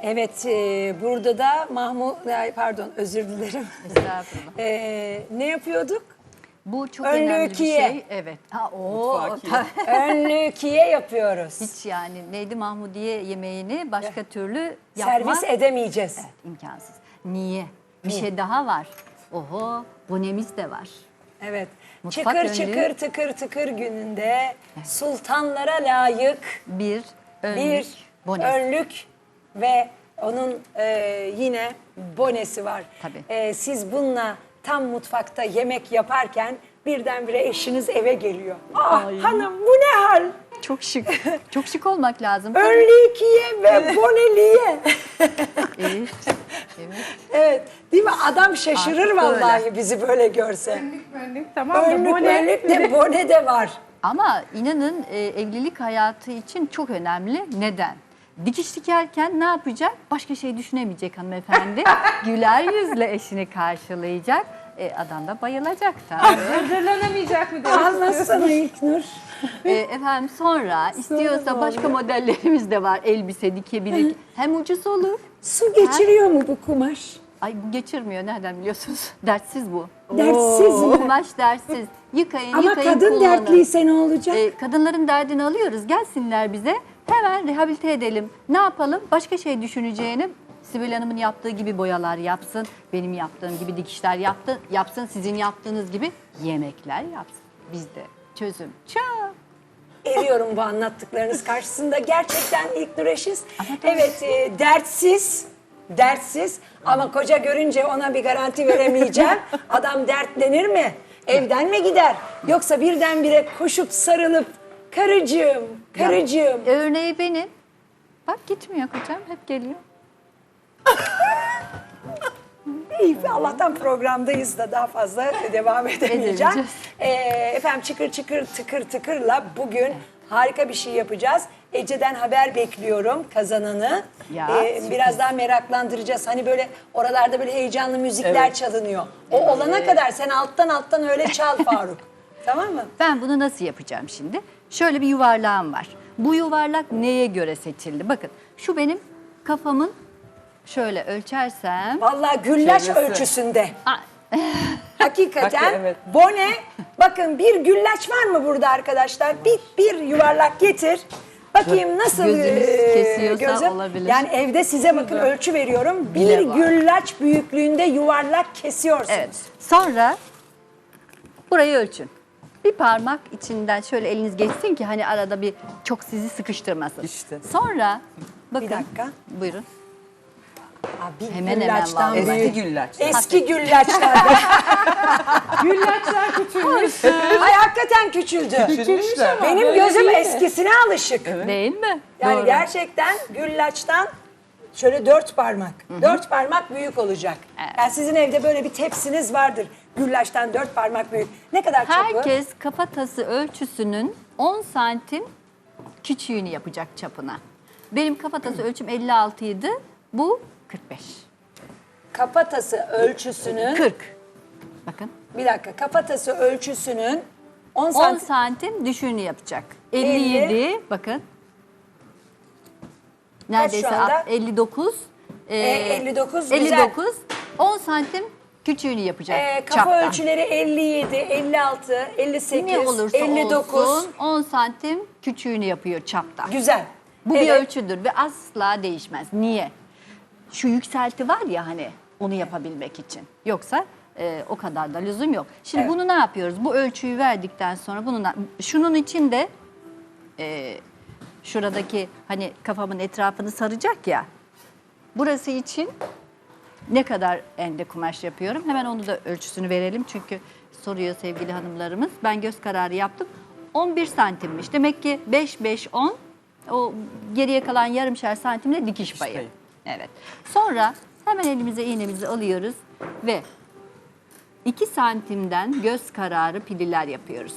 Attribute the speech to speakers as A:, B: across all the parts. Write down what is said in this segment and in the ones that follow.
A: Evet, burada da pardon özür dilerim.
B: Estağfurullah.
A: Ne yapıyorduk?
B: Bu çok
A: Önlüğü
B: önemli bir
A: kiye.
B: şey. Evet. Ha,
A: Önlüğü kiye yapıyoruz.
B: hiç yani neydi Mahmudiye yemeğini başka türlü yapmak
A: Servis edemeyeceğiz.
B: imkansız. Niye? Bir şey daha var. Oho, bonemiz de var.
A: Evet.
B: Mutfak
A: çıkır
B: önlüğü.
A: çıkır tıkır tıkır gününde sultanlara layık
B: Bir önlük,
A: bir
B: bonesi.
A: önlük ve onun yine bonesi var.
B: Tabii.
A: Siz bununla tam mutfakta yemek yaparken birdenbire eşiniz eve geliyor. Ah hanım bu ne hal?
B: Çok şık. Çok şık olmak lazım.
A: Önlüğü kiye ve boneliye.
B: Evet. Evet.
A: Evet değil mi? Adam şaşırır
B: Artık
A: vallahi
B: öyle.
A: bizi böyle görse.
C: Önlük tamam da
A: Önlük
C: bone.
A: önlük de bone de var.
B: Ama inanın evlilik hayatı için çok önemli. Neden? Dikiş dikerken ne yapacak? Başka şey düşünemeyecek hanımefendi. Güler yüzle eşini karşılayacak. Adam da bayılacak tabii.
C: Hazırlanamayacak mı demek
A: Anlatsana İlknur.
B: Efendim sonra istiyorsa başka modellerimiz de var. Elbise dikebilir. Hem ucuz olur.
A: Su geçiriyor mu bu kumaş?
B: Ay bu geçirmiyor. Nereden biliyorsunuz? Dertsiz bu.
A: Dertsiz mi?
B: Kumaş dertsiz. Yıkayın,
A: Ama
B: yıkayın,
A: kadın
B: kullanın.
A: dertliyse ne olacak?
B: Kadınların derdini alıyoruz. Gelsinler bize. Hemen rehabilite edelim. Ne yapalım? Başka şey düşüneceğini Sibel Hanım'ın yaptığı gibi boyalar yapsın. Benim yaptığım gibi dikişler yapsın. Sizin yaptığınız gibi yemekler yapsın. Bizde çözüm çok.
A: Eriyorum bu anlattıklarınız karşısında. Gerçekten İlknur eşiz. Evet dertsiz ama koca görünce ona bir garanti veremeyeceğim. Adam dertlenir mi? Evden mi gider? Yoksa birdenbire koşup sarılıp karıcığım.
B: Örneği benim. Bak gitmiyor kocam. Hep geliyor.
A: İyi, Allah'tan programdayız da daha fazla devam edemeyeceğim.
B: Edemeyeceğiz.
A: Efendim çıkır çıkır tıkır tıkırla bugün harika bir şey yapacağız. Ece'den haber bekliyorum kazananı.
B: Ya,
A: Biraz daha meraklandıracağız. Hani böyle oralarda böyle heyecanlı müzikler çalınıyor. O olana kadar sen alttan öyle çal Faruk. Tamam mı?
B: Ben bunu nasıl yapacağım şimdi? Şöyle bir yuvarlağım var. Bu yuvarlak neye göre seçildi? Bakın şu benim kafamın şöyle ölçersem.
A: Vallahi güllaç
D: Çevresi.
A: ölçüsünde.
B: Aa,
A: Hakikaten
D: Evet.
A: bone. Bakın bir güllaç var mı burada arkadaşlar? Bir yuvarlak getir. Bakayım nasıl
B: Gözünüz kesiyorsa olabilir.
A: Yani evde size bakın ölçü veriyorum. Bir
B: Bile var.
A: güllaç büyüklüğünde yuvarlak kesiyorsunuz.
B: Evet. Sonra burayı ölçün. Bir parmak içinden şöyle eliniz geçsin ki hani arada bir çok sizi sıkıştırmasın.
D: İşte.
B: Sonra bakın.
A: Bir dakika.
B: Buyurun.
A: Bir
B: Hemen
A: güllaçtan
B: vallahi.
A: büyük.
D: Eski güllaç.
A: Eski güllaçlarda.
C: Güllaçlar küçülmüş.
A: Ay hakikaten küçüldü.
D: Küçülmüşler.
A: Benim
C: Böyle
A: gözüm
C: değil mi?
A: eskisine alışık.
B: Değil mi?
A: Yani
B: Doğru.
A: gerçekten güllaçtan şöyle 4 parmak. 4 parmak büyük olacak.
B: Evet.
A: Yani sizin evde böyle bir tepsiniz vardır. Güllaçtan 4 parmak büyük. Ne kadar çapı?
B: Herkes kafatası ölçüsünün 10 santim küçüğünü yapacak çapına. Benim kafatası ölçüm 56 idi. Bu 45.
A: Kafatası ölçüsünün
B: 40. Bakın.
A: bir dakika kafatası ölçüsünün 10
B: 10
A: santim.
B: santim düşüğünü yapacak. 57 bakın. Neredeyse
A: şu anda?
B: 59.
A: 59 güzel.
B: 59. 10 santim küçüğünü yapacak.
A: Kafa
B: çaptan.
A: ölçüleri 57, 56, 58,
B: Ne olursa
A: 59.
B: olsun 10 santim küçüğünü yapıyor çapta.
A: Güzel.
B: Bu bir
A: Evet.
B: ölçüdür ve asla değişmez. Niye? Şu yükselti var ya hani onu yapabilmek için. Yoksa o kadar da lüzum yok. Şimdi
A: Evet.
B: bunu ne yapıyoruz? Bu ölçüyü verdikten sonra şunun için de şuradaki hani kafamın etrafını saracak ya. Burası için ne kadar ende kumaş yapıyorum? Hemen onu da ölçüsünü verelim. Çünkü soruyor sevgili hanımlarımız. Ben göz kararı yaptım. 11 santimmiş. Demek ki 5, 5, 10. O geriye kalan yarımşar santimle dikiş payı.
D: payı.
B: Evet. Sonra hemen elimize iğnemizi alıyoruz ve 2 santimden göz kararı pililer yapıyoruz.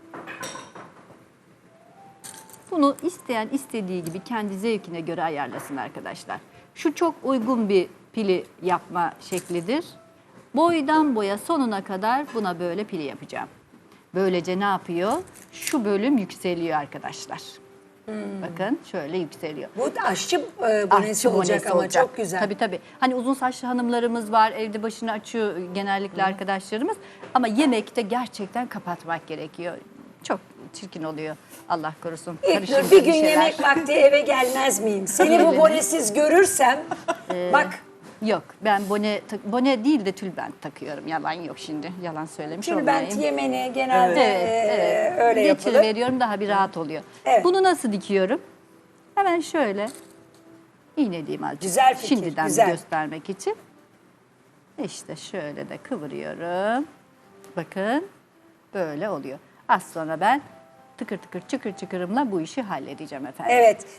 B: Bunu isteyen istediği gibi kendi zevkine göre ayarlasın arkadaşlar. Şu çok uygun bir pili yapma şeklidir. Boydan boya sonuna kadar buna böyle pili yapacağım. Böylece ne yapıyor? Şu bölüm yükseliyor arkadaşlar. Bakın şöyle yükseliyor.
A: Bu aşçı bonesi
B: Aşçı
A: olacak
B: bonesi
A: ama
B: olacak.
A: çok güzel.
B: Tabii tabii. Hani uzun saçlı hanımlarımız var, evde başını açıyor genellikle arkadaşlarımız. Ama yemekte gerçekten kapatmak gerekiyor. Çok çirkin oluyor. Allah korusun.
A: İlknur
B: Karışım
A: bir gün
B: şeyler.
A: yemek vakti eve gelmez miyim? Seni bu bonesiz görürsem bak
B: Yok, ben bone değil de tülbent takıyorum. Yalan yok şimdi. Yalan söylemiş
A: tülbent
B: olmayayım.
A: yemeni genelde öyle
B: Geçir
A: yapılır.
B: veriyorum, daha bir rahat oluyor.
A: Evet.
B: Bunu nasıl dikiyorum? Hemen şöyle iğneleyeyim azıcık.
A: Güzel fikir,
B: Şimdiden
A: güzel.
B: göstermek için. İşte şöyle de kıvırıyorum. Bakın böyle oluyor. Az sonra ben tıkır tıkır çıkır çıkırımla bu işi halledeceğim efendim.
A: Evet.